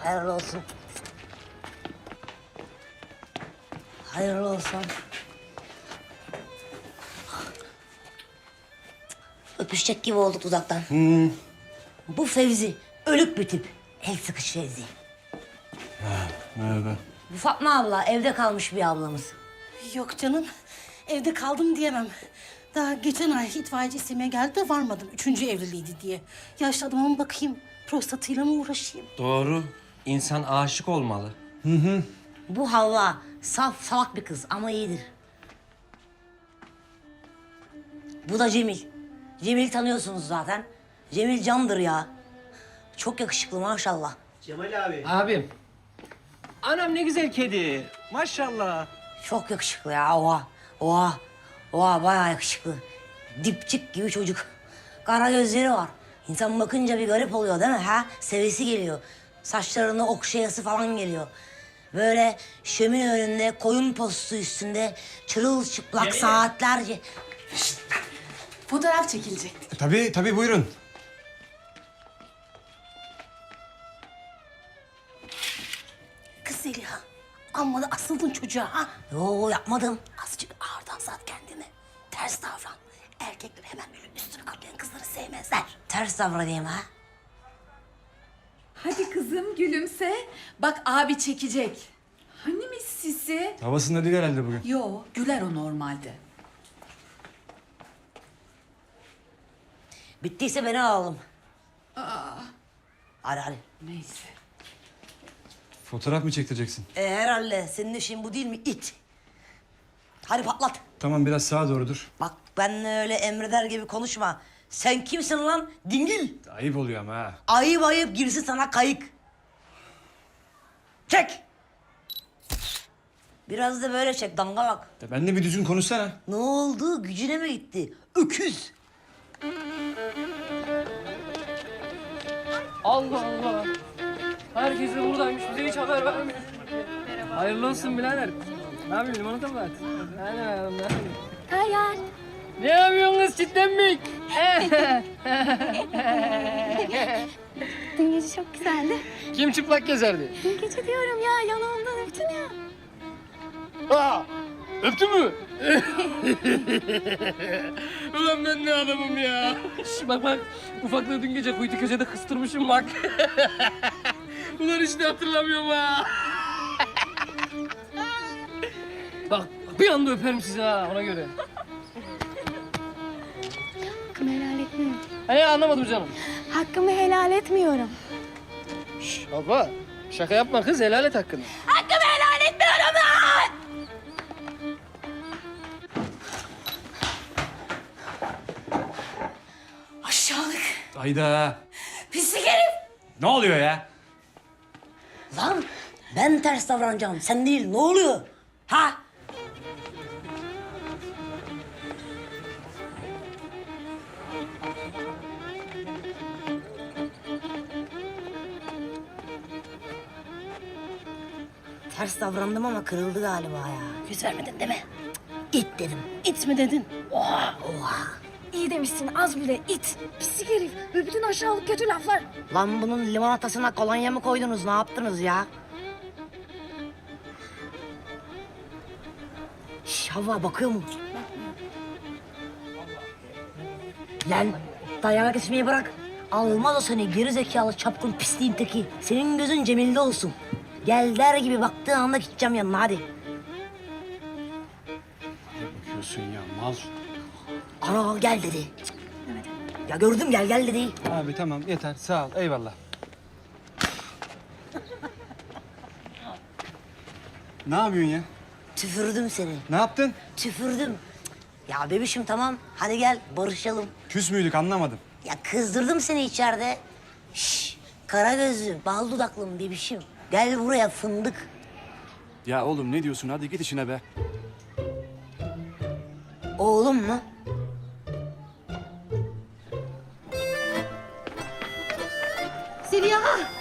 Hayırlı olsun. Hayırlı olsun. Öpüşecek gibi olduk uzaktan. Bu Fevzi, ölük bir tip. El sıkış Fevzi. Merhaba. Bu Fatma abla, evde kalmış bir ablamız. Yok canım, evde kaldım diyemem. Daha geçen ay itfaiyeci istemeye geldi de varmadım. 3. evliliğiydi diye. Yaşlı adama bakayım, prostatıyla mı uğraşayım? Doğru. İnsan aşık olmalı. Bu Havva, saf salak bir kız ama iyidir. Bu da Cemil. Cemil'i tanıyorsunuz zaten. Cemil candır ya. Çok yakışıklı maşallah. Abim. Anam ne güzel kedi. Maşallah. Çok yakışıklı ya. Oha. Oha. Oha bayağı yakışıklı. Dipçik gibi çocuk. Kara gözleri var. İnsan bakınca bir garip oluyor değil mi? Ha? Sevesi geliyor. Saçlarını okşayası falan geliyor. Böyle şömine önünde koyun postu üstünde çırılçıplak saatlerce. Fotoğraf çekilecekti. Tabii buyurun. Kız Zeliha, amma da asıldın çocuğa ha. Yo yapmadım. Azıcık ağırdan sat kendini. Ters davran. Erkekler hemen böyle üstünü kaplayan kızları sevmezler. Ters davranayım ha. Hadi kızım gülümse. Bak abi çekecek. Hani mis sisi? Havasında değil herhalde bugün. Yo, güler o normalde. Bittiyse beni alalım. Hadi. Neyse. Fotoğraf mı çektireceksin? Herhalde senin işin bu değil mi it? Hadi patlat. Tamam biraz sağa doğru dur. Bak benle öyle emreder gibi konuşma. Sen kimsin lan? Dingil. Ayıp oluyor ama ha. Ayıp girsin sana kayık. Çek. Biraz da böyle çek dangalak. Ya benimle bir düzgün konuşsana. Ne oldu? Gücüne mi gitti? Öküz. Allah Allah. Herkes de buradaymış. Bize hiç haber vermiyor. Hayırlı olsun birader. Ne yapıyorsun? Limonata mı at? Hadi bakalım. Hayal. Ne yapıyorsun kız çitlenmek? Dün gece çok güzeldi. Kim çıplak gezerdi? Dün gece diyorum ya, yanağımdan öptün ya. Aa, öptü mü? Ulan ben ne adamım ya. Şş, bak. Ufaklığı dün gece kuytu köşede kıstırmışım bak. Ulan hiç de hatırlamıyorum ha. Bak bir anda öperim sizi ha ona göre. Hakkımı helal etmiyorum. Hani anlamadım canım. Hakkımı helal etmiyorum. Şş, abla şaka yapma kız helal et hakkını. Hakkımı helal etmiyorum ben! Aşağılık, Hayda. pislik herif. Ne oluyor ya? Lan ben ters davranacağım. Sen değil. Ne oluyor? Ha? Ters davrandım ama kırıldı galiba ya. Yüz vermedin değil mi? İt dedim. İt mi dedin? Oha. İyi demişsin, az bile it. Pislik herif ve bütün aşağılık kötü laflar. Lan bunun limonatasına kolonya mı koydunuz? Ne yaptınız ya? Şş, Havva bakıyor mu? Lan dayanak içmeyi bırak. Almaz o seni geri zekalı çapkın pisliğin teki. Senin gözün Cemil'de olsun. Gel der gibi baktığın anda gideceğim yanına hadi. Bakıyorsun ya mal. Ana gel dedi. Ya gördüm gel dedi. Abi tamam yeter sağ ol eyvallah. Ne yapıyorsun ya? Tüfürdüm seni. Ne yaptın? Tüfürdüm. Ya bebişim tamam hadi gel barışalım. Küs müydük anlamadım. Ya kızdırdım seni içeride. Şş, kara gözlü, bal dudaklım bebişim. Gel buraya fındık. Ya oğlum ne diyorsun hadi git işine be. Oğlum mu? Zeliha,